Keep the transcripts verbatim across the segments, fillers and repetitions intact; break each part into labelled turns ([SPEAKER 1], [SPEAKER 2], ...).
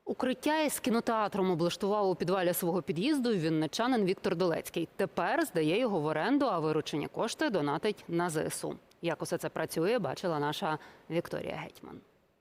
[SPEAKER 1] Укриття із кінотеатром облаштував у підвалі свого під'їзду вінничанин Віктор Долецький. Тепер здає його в оренду, а виручені кошти донатить на зе ес у. Як усе це працює, бачила наша Вікторія Гетьман.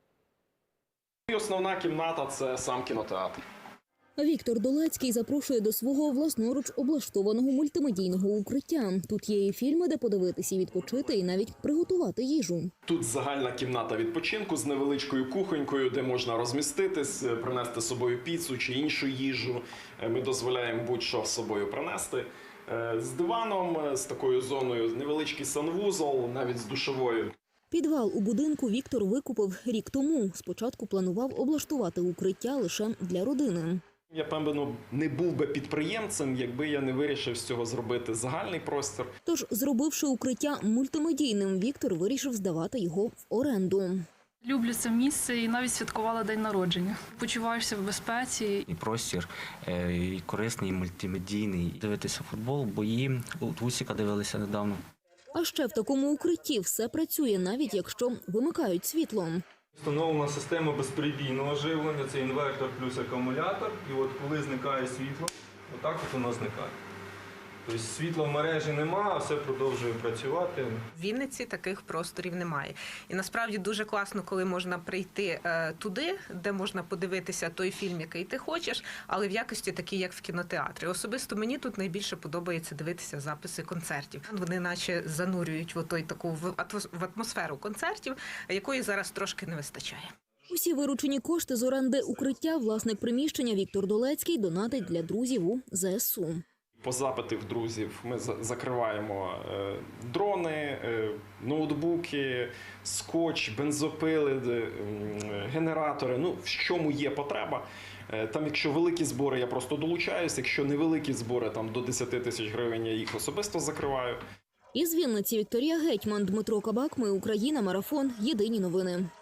[SPEAKER 2] Основна кімната – це сам кінотеатр.
[SPEAKER 3] Віктор Долецький запрошує до свого власноруч облаштованого мультимедійного укриття. Тут є і фільми, де подивитися, відпочити і навіть приготувати їжу.
[SPEAKER 2] Тут загальна кімната відпочинку з невеличкою кухонькою, де можна розміститись, принести з собою піцу чи іншу їжу. Ми дозволяємо будь-що з собою принести. З диваном, з такою зоною, невеличкий санвузол, навіть з душовою.
[SPEAKER 3] Підвал у будинку Віктор викупив рік тому. Спочатку планував облаштувати укриття лише для родини.
[SPEAKER 2] Я, певно, не був би підприємцем, якби я не вирішив з цього зробити загальний простір.
[SPEAKER 3] Тож, зробивши укриття мультимедійним, Віктор вирішив здавати його в оренду.
[SPEAKER 4] Люблю це місце і навіть святкувала день народження. Почуваєшся в безпеці.
[SPEAKER 5] І простір, і корисний, і мультимедійний. Дивитися футбол, бої. От Усіка дивилися недавно.
[SPEAKER 3] А ще в такому укритті все працює, навіть якщо вимикають світло.
[SPEAKER 6] Встановлена система безперебійного живлення, це інвертор плюс акумулятор. І от коли зникає світло, отак от воно зникає. Тобто світла в мережі немає, а все продовжує працювати.
[SPEAKER 7] В Вінниці таких просторів немає. І насправді дуже класно, коли можна прийти е, туди, де можна подивитися той фільм, який ти хочеш, але в якості такій, як в кінотеатрі. Особисто мені тут найбільше подобається дивитися записи концертів. Вони наче занурюють в той таку в атмосферу концертів, якої зараз трошки не вистачає.
[SPEAKER 3] Усі виручені кошти з оренди укриття власник приміщення Віктор Долецький донатить для друзів у зе ес у.
[SPEAKER 2] По запитах друзів ми закриваємо дрони, ноутбуки, скотч, бензопили, генератори. Ну, в чому є потреба. Там, якщо великі збори, я просто долучаюся. Якщо невеликі збори, там до десяти тисяч гривень, я їх особисто закриваю.
[SPEAKER 3] Із Вінниці Вікторія Гетьман, Дмитро Кабак. Ми Україна. Марафон. Єдині новини.